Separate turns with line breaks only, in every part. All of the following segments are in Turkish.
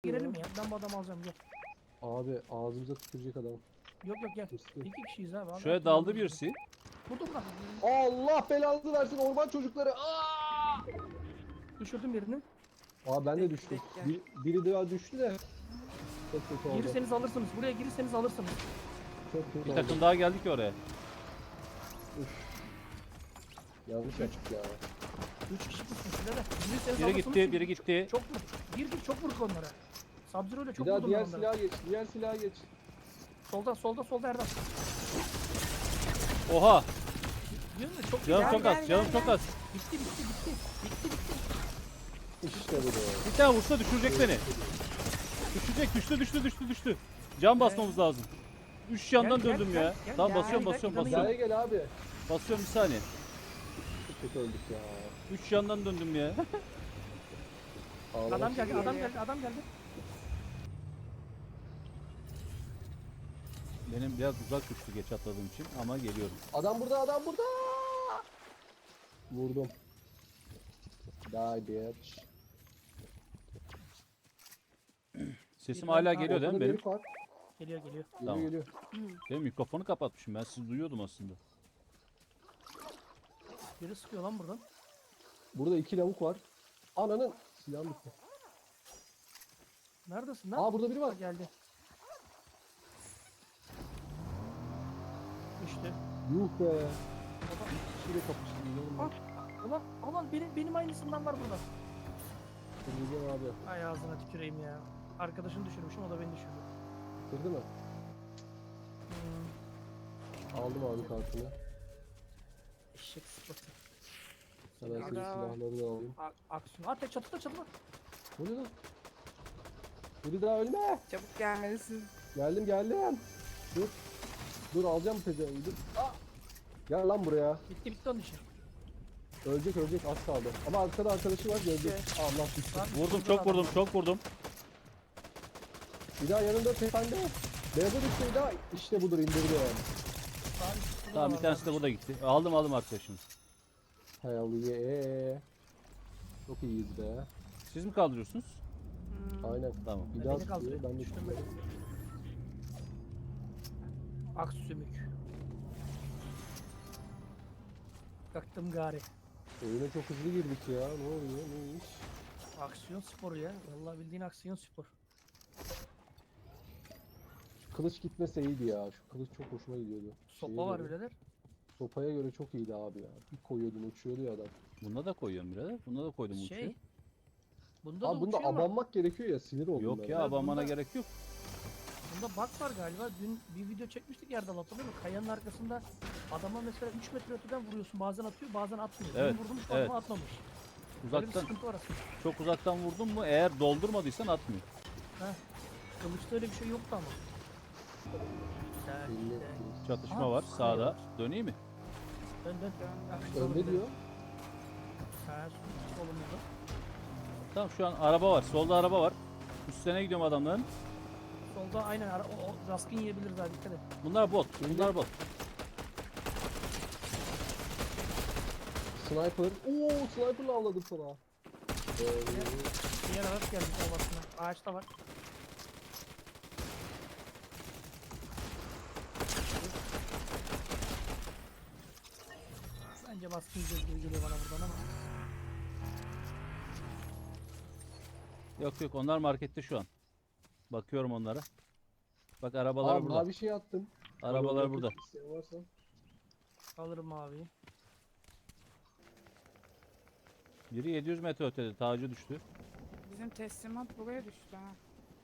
Girelim ya. Ben bu adamı alacağım gel.
Abi ağzımıza tükürecek adam.
Yok gel.
Hırslı.
İki kişiyiz abi.
Şuraya daldı birisi.
Burada.
Allah belanızı versin orman çocukları. Aa!
Düşürdüm birini.
Aa ben de düştüm. Biri daha düştü de. Çok kötü oldu.
Girirseniz alırsınız. Buraya girirseniz alırsınız.
Çok kötü
Bir
oldu.
takım daha geldi ki oraya.
Yanlış açık ya.
3 kişi tutmuş birader. Girirseniz
Biri
alırsınız.
gitti, biri gitti.
Çok vur. Gir çok vurduk onlara. Sub-Zero ile çok
Bir daha
vurdum
diğer
ben onlara.
silaha geç. Diğer silaha geç.
Solda Erdem.
Oha!
Diyorum ya çok
Canım
güzel.
çok az, canım çok az.
Bitti.
İşte bu da.
Bir tane vursa düşürecek beni. Düştü. Can basmamız lazım. 3 yandan
Gel,
döndüm
gel,
ya.
gel,
Tamam
gel,
basıyorum.
Hizaya gel abi.
Basıyorum bir saniye.
Çok kötü öldük ya.
3 yandan döndüm ya.
Ağlamak
Adam geldi.
istiyorum.
Benim biraz uzak düştü geç atladığım için ama geliyorum.
Adam burada. Vurdum. Die bitch.
Sesim hala geliyor değil mi
Ortada
benim?
bir var.
Geliyor.
Tamam.
Geliyor.
Benim mikrofonu kapatmışım. Ben sizi duyuyordum aslında.
Biri sıkıyor lan buradan.
Burada 2 lavuk var. Ananın silahım bitti.
Neredesin lan?
Aa burada biri var.
Geldi. İşte.
Yuh be. Şile kapıştım.
Ulan benim aynısından var burada.
Kırmızı abi.
Ay ağzına tüküreyim ya. Arkadaşını düşürmüşüm o da beni düşürdü.
Kırdı mı? Aldım abi kartını.
Eşek sıfatı.
Hemen senin
Aga.
silahları da alayım.
Aksiyon. Hatta çatıda.
O ne lan? Biri daha ölme.
Çabuk gelmelisin.
Geldim. Dur alacağım pezevengi dur. Aa! Gel lan buraya.
Bitti onun işi.
Ölecek az kaldı. Ama arkada arkadaşı var gelecek. Allah bitti.
Vurdum, çok vurdum.
Bir daha yanında tepende. Beyaza düştü bir daha. İşte budur indirdi yani.
Tamam bir tanesi de burada gitti. Aldım arkadaşımı.
Hell yeah. Çok iyiyiz be.
Siz mi kaldırıyorsunuz?
Aynen.
Tamam.
Bir
Beni
daha tutuyor.
kaldırıyor.
Ben de
Düştüm
tutuyorum.
Aksümük. Kalktım gari.
Oyuna çok hızlı girdik ya. Ne oluyor? Ne iş?
Aksiyon sporu ya. Vallahi bildiğin aksiyon spor.
Kılıç gitmese iyiydi ya. Şu kılıç çok hoşuma gidiyordu.
Sopa
Şeye
var
göre.
birader.
Sopaya göre çok iyiydi abi ya. Bir koyuyordun uçuyordu ya adam.
Bunda da koyuyorum birader. Bunda da koydum uçuyor.
Şey. Bunda da
Abi bunda
uçuyor ama
abanmak gerekiyor ya sinir oldum
Yok
ben.
ya
Ben
abanmana
bunda-
gerek yok.
bunda bug var galiba. Dün bir video çekmiştik yerden hatırlıyor musun? Kayanın arkasında adama mesela 3 metre öteden vuruyorsun. Bazen atıyor bazen atmıyor.
Evet,
Benim vurdum
evet.
adama atmamış. Böyle bir
Uzaktan,
sıkıntı var aslında.
çok uzaktan vurdun mu eğer doldurmadıysan atmıyor.
Kılıçta öyle bir şey yoktu ama. Güzel,
Belli.
güzel.
Çatışma
Aa,
var
kaya
sağda.
var.
Döneyim mi?
Dön.
Önde diyor.
Ha, solumuzda.
Tamam şu an araba var. Solda araba var. Üstlerine gidiyorum adamların.
Solda aynen o raskın yiyebiliriz abi dikkat et.
Bunlar bot. Bunlar bot.
Sniper. Oo sniper'la avladım sana.
Diğer araç geldi ovasına. Ağaçta var. Bence baskın yiyeceğiz gibi geliyor bana buradan ama.
Yok onlar markette şu an. Bakıyorum onlara. Bak arabalar
Abi
burada.
mavi şey attım.
Arabalar
Abi,
burada.
isteyen varsa.
Alırım abi.
Biri 700 metre ötede. Tacı düştü.
Bizim teslimat buraya düştü ha.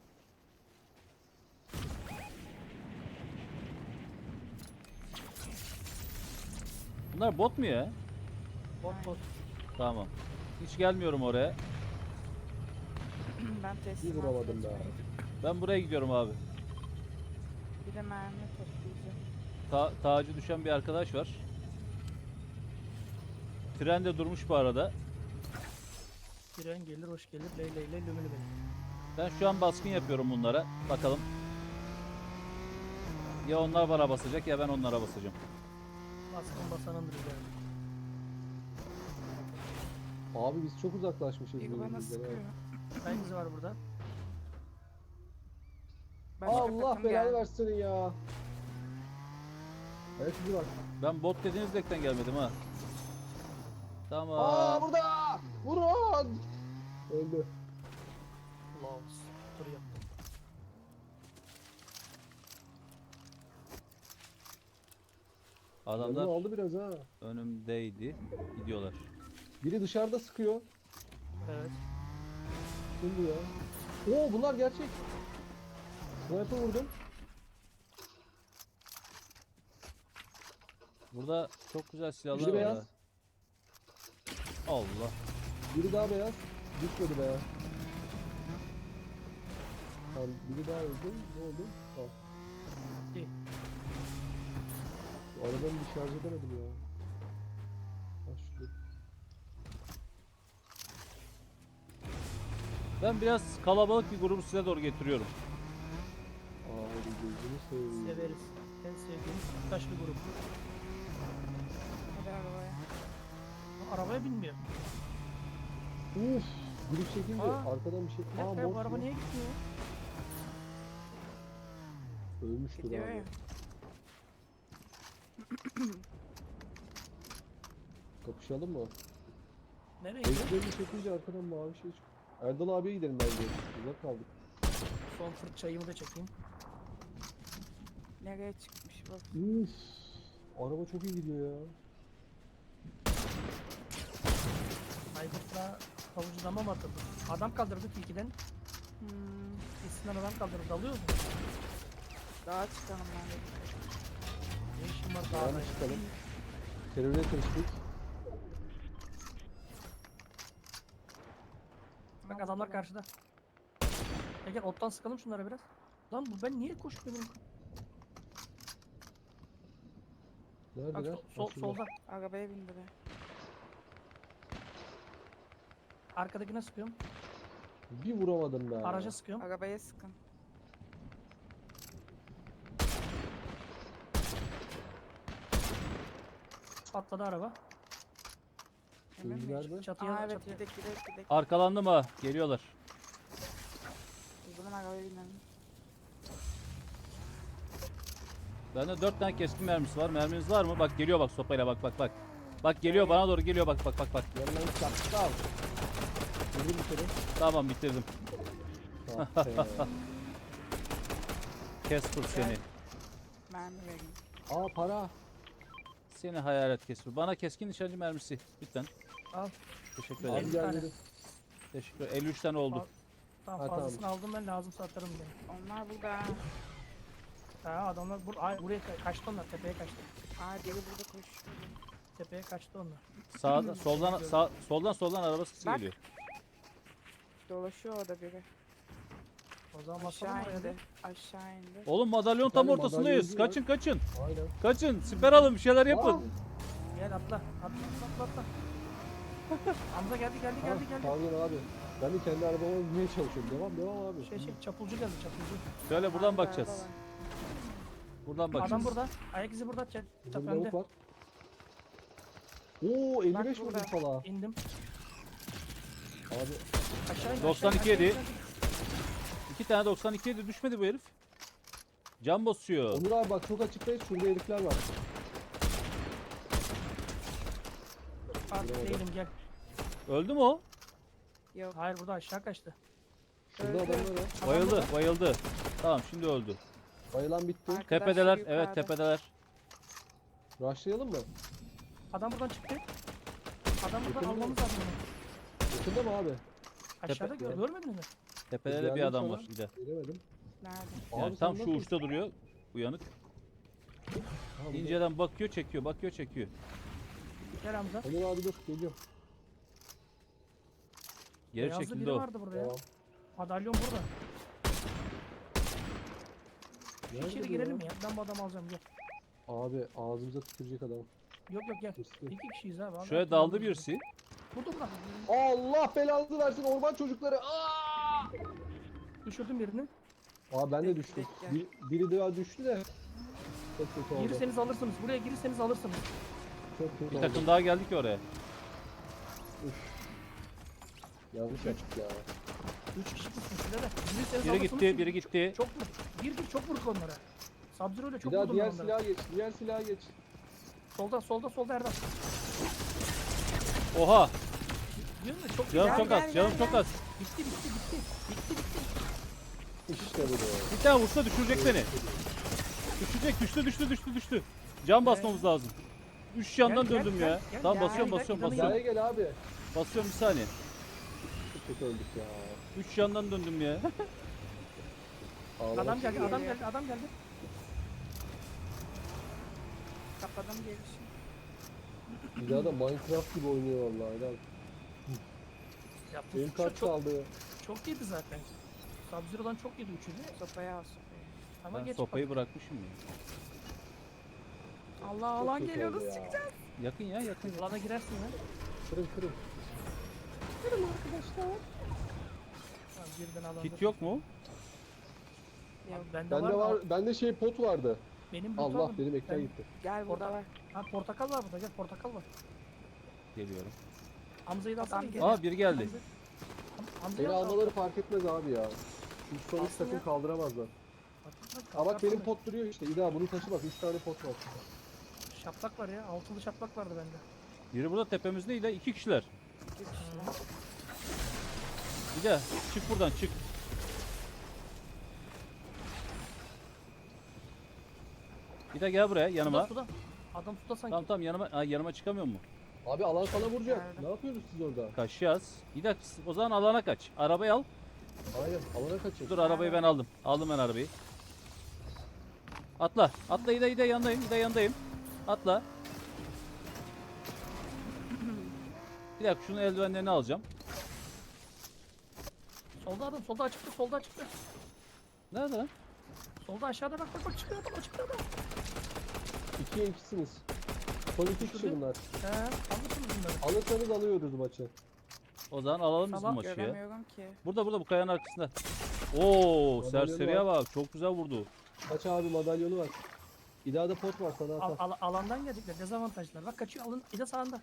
Bunlar bot mu ya?
Bot.
Tamam. Hiç gelmiyorum oraya.
Ben
Bir
teslimat
vuramadım be.
kaçırdım.
Ben buraya gidiyorum abi.
Bir de mermi toplayacağım.
Tacı düşen bir arkadaş var. Tren de durmuş bu arada.
Tren gelir hoş gelir. Ley lümülü benim.
Ben şu an baskın yapıyorum bunlara. Bakalım. Ya onlar bana basacak ya ben onlara basacağım.
Baskın basanındır yani.
Abi biz çok uzaklaşmışız.
Biri bana
birbirimizden,
sıkıyor.
evet.
Hangisi var burada?
Başka
Allah
takım
belanı
geldi.
versin ya. Evet bizi bak.
Ben bot dediğiniz dekten gelmedim ha. Tamam.
Aa burada! Vurun! Öldü.
Laos. Duruyor.
Canını
Adamlar
aldı biraz ha.
önümdeydi. Gidiyorlar.
Biri dışarıda sıkıyor.
Evet.
Şimdi ya. Oo bunlar gerçek. Sniper vurdum.
Burada çok güzel silahlar
Biri
var.
beyaz.
ha. Allah.
Biri daha beyaz. Düşmedi be. Tamam biri daha öldü. Ne oldu? Tamam.
İyi.
Şu arabanı bir şarj edemedim ya. Ha şurada.
Ben biraz kalabalık bir grubu size doğru getiriyorum.
Aa gözünü seveyim.
Severiz. En sevdiğimiz taşlı grup.
Hadi arabaya.
Arabaya binmiyor.
Uf! Biri çekince
Aa,
arkadan bir şey.
Bir
Aa
dakika ya, bu
boş
araba
mu?
niye gitmiyor?
Ölmüştür
Gidiyor
abi.
ya.
Kapışalım mı?
Nereye gidiyor?
Ezberini çekince arkadan mavi şey çıkıyor. Erdal abiye gidelim bence. Uzak kaldık.
Son fırçayımı da çekeyim.
Nereye çıkmış bak.
Uf! Araba çok iyi gidiyor ya.
Aygıt'la havucunama mı atıldı? Adam kaldırdık ilkiden. Eskiden adam kaldırdı. Dalıyoruz mu?
Dağa çıkalım ben de.
Ne işin var dağda?
Dağına çıkalım. Teröre karıştık.
Bak adamlar karşıda. Gel ottan sıkalım şunlara biraz. Lan bu ben niye koşmuyorum? Bak
Neredeler?
sol,
Ha, şurada.
solda.
Arabaya bindi be.
Arkadakine sıkıyorum.
Bir vuramadım be.
Araca sıkıyorum.
Arabaya sıkın.
Patladı araba.
Emin
Şimdi
miyiz?
nerede?
Çatıya
Aa evet
çatıya.
gidek.
Arkalandım ha. Geliyorlar.
O zaman arabaya binelim.
Bende 4 tane keskin mermisi var. Merminiz var mı? Bak geliyor bak sopayla bak. Bak geliyor bana doğru geliyor bak.
Yanından çaktım. Vurdum bir kere.
Tamam bitirdim.
Ah be.
Casper seni.
Mermi vereyim.
Aa para.
Seni hayalet Casper. Bana keskin nişancı mermisi. Lütfen.
Al.
Teşekkür
Abi
ederim.
50
gel
tane.
dedim.
Teşekkür ederim. 53 tane oldu.
Tamam
Ha,
fazlasını aldım ben lazımsa atarım diye.
Onlar burada.
Ha adamlar buraya kaçtı onlar tepeye kaçtı.
Aa biri burada koşuyor.
Tepeye kaçtı onlar.
Sağda, soldan araba sesi
Bak.
geliyor.
Dolaşıyor orada biri.
O zaman basalım
Aşağı
oraya da.
indi. Aşağı indi.
Oğlum madalyon
Bir
tam
tane
ortasındayız.
madalyoncu var.
Kaçın.
Aynen.
Kaçın. Siper alın bir şeyler
Aa,
yapın.
Gel atla. Atla. Hamza geldi.
ha, pardon abi. Ben de kendi arabama binmeye çalışıyorum. Devam abi.
Çapulcu geldi çapulcu.
Şöyle buradan
Arkada
bakacağız.
araba var.
Buradan bakacağız.
Adam burada. Ayak izi burada.
Burada bir
Önde.
lavuk var. Oo 55
burada.
vurdum salağa.
İndim.
Abi
Aşağı in.
92
aşağı in,
yedi.
aşağı in.
2 tane 92 de düşmedi bu herif. Can basıyor.
Onur abi bak çok açıktayız. Şurada herifler var.
Artık
Bravo.
değilim gel.
Öldü mü o?
Yok.
Hayır burada aşağı kaçtı.
Şurada
Öldü.
adamlar var.
Adam
Bayıldı,
burada.
bayıldı. Tamam şimdi öldü.
Bayılan bitti.
Arkadaşlar
Tepedeler,
yukarıda.
evet tepedeler.
Rushlayalım mı?
Adam buradan çıktı. Adam buradan
Yakın mı?
almamız lazım. onu.
Yakında mı abi?
Aşağıda
Tepe-
görmediniz mi?
Tepede de bir
Geldim
adam
sana.
var bir de.
Göremedim.
Nerede?
Yani
Abi
tam
sen
şu
nasıl-
uçta duruyor. Uyanık.
Ha, burada.
İnceden bakıyor, çekiyor.
Gel Hamza.
Onur abi dur geliyorum.
Geri
Beyazlı
çekildi
biri
o.
vardı burada ya.
Tamam.
Madalyon burada.
Nerede
İçeri
bu
girelim
ya?
ya. Ben bu adamı alacağım gel.
Abi ağzımıza tükürecek adam.
Yok gel.
Hırslı.
2 kişiyiz abi.
Şuraya
Adam-
daldı birisi.
Burada.
Allah belanızı versin orman çocukları. Aa!
Düşürdüm birini.
Abi ben de
Tek
düştüm.
tek gel.
Biri daha düştü de. Çok kötü oldu.
Girirseniz alırsınız. Buraya girirseniz alırsınız.
Çok kötü
Bir
oldu.
takım daha geldi ki oraya.
Yanlış yaptık ya.
3 kişi pusmuş şöyle de. Biri seni
Biri
sağda,
gitti,
sonuç-
biri gitti.
Çok vur. Gir çok vur onlara. Sub-Zero ile çok
Bir daha
vurdum
diğer
ben onlara.
silaha geç. Diğer silaha geç.
Solda Erdal.
Oha!
Diyorum ya çok
Canım
Gel,
çok
gel,
az, canım
gel,
çok
gel.
az.
bitti.
İşte bu da.
Bir tane vursa düşürecek beni. Düştü. Can basmamız lazım. 3 yandan
Gel,
döndüm
gel,
ya.
gel,
Tamam
gel,
basıyorum
gel,
basıyorum
gel,
basıyorum.
Hizaya gel abi.
Basıyorum bir saniye.
Çok kötü öldük ya.
3 yandan döndüm ya.
Ağlamak
Adam geldi,
istiyorum.
adam geldi.
Kapadım gelişi.
Bir daha da Minecraft gibi oynuyor vallahi. Helal.
Ya bu
Benim kaç
çok,
kaldı?
çok yedi zaten. Sub-Zero'dan çok yedi üçünü.
Sopayı al sopayı.
Ama
Ben
geç
sopayı bırakmışım ya.
Allah
Çok
alan
kötü
geliyor
oldu
nasıl
ya.
çıkacağız?
Yakın ya yakın.
Alana girersin ya.
Kırın.
Tamam, birden alanda.
Kit yok mu?
Yok.
Bende,
Bende
var.
var, bende şey pot vardı.
Benim
Allah
aldım.
benim ekran
Ben-
gitti.
Gel burada var.
Ha portakal var burada, gel portakal var.
Geliyorum.
Hamza'yı da
Adam
alsana.
geliyor.
Aa biri geldi.
Hamza'yı
Beni
al.
almaları fark etmez abi ya. Çünkü son hiç
Alsın
takım
ya.
kaldıramazlar.
Bak,
Aa bak benim pot duruyor işte. İda bunu taşı bak 3 tane pot var.
Şaplak var ya, altılı şaplak vardı bende.
Biri burada tepemizdeydi. 2 kişiler.
İki kişiler.
Bir de çık buradan çık. Bir de gel buraya yanıma.
Suda. Adam suda sanki.
Tamam tamam yanıma çıkamıyor mu?
Abi alan sana vuracak.
Nerede?
Ne yapıyorsunuz siz orada?
Kaçacağız. Bir de o zaman alana kaç. Arabayı al.
Hayır alana kaçın.
Dur arabayı ben aldım. Aldım ben arabayı. Atla. Atla İda yandayım. İda yandayım. Atla. Bir dakika şunun eldivenlerini alacağım.
Solda adam, solda açıkta.
Nerede lan?
Solda aşağıda bak çıkıyor adam, çıkıyor adam.
2'ye 2'siniz. Son 2 kişi
Düşürdü.
bunlar.
He, anlasınız bunları.
Alırsanız alıyoruz maçı.
O zaman alalım biz bu
Tamam,
maçı ya.
Göremiyorum ki.
Burada bu kayanın arkasında. Oo
Madalyonu
serseriye bak. Çok güzel vurdu.
Kaç abi madalyonu var. İda'da pot var sana atar.
Alandan geldikler, dezavantajlar. Bak kaçıyor, alın, bir de sağında.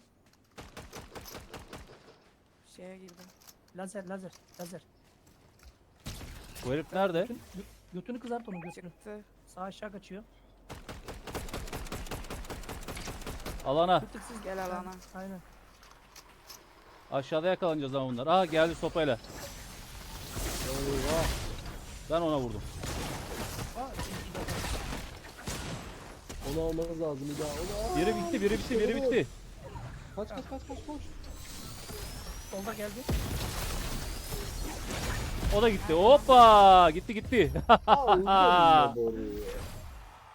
Şeye girdim.
Lazer.
Bu herif nerede?
Götünü kızart onun götünü.
Çıktı.
Sağ aşağı kaçıyor.
Alana.
Tık siz
Gel alana.
Aynen.
Aşağıda yakalanacağız ama bunlar. Aha geldi sopayla.
Eyvah.
Ben ona vurdum.
Aa,
Onu almanız lazım İda. Onu al.
Biri bitti.
Kaç koş.
solda geldi.
O da gitti. Hoppa! Gitti.
Aa öldü.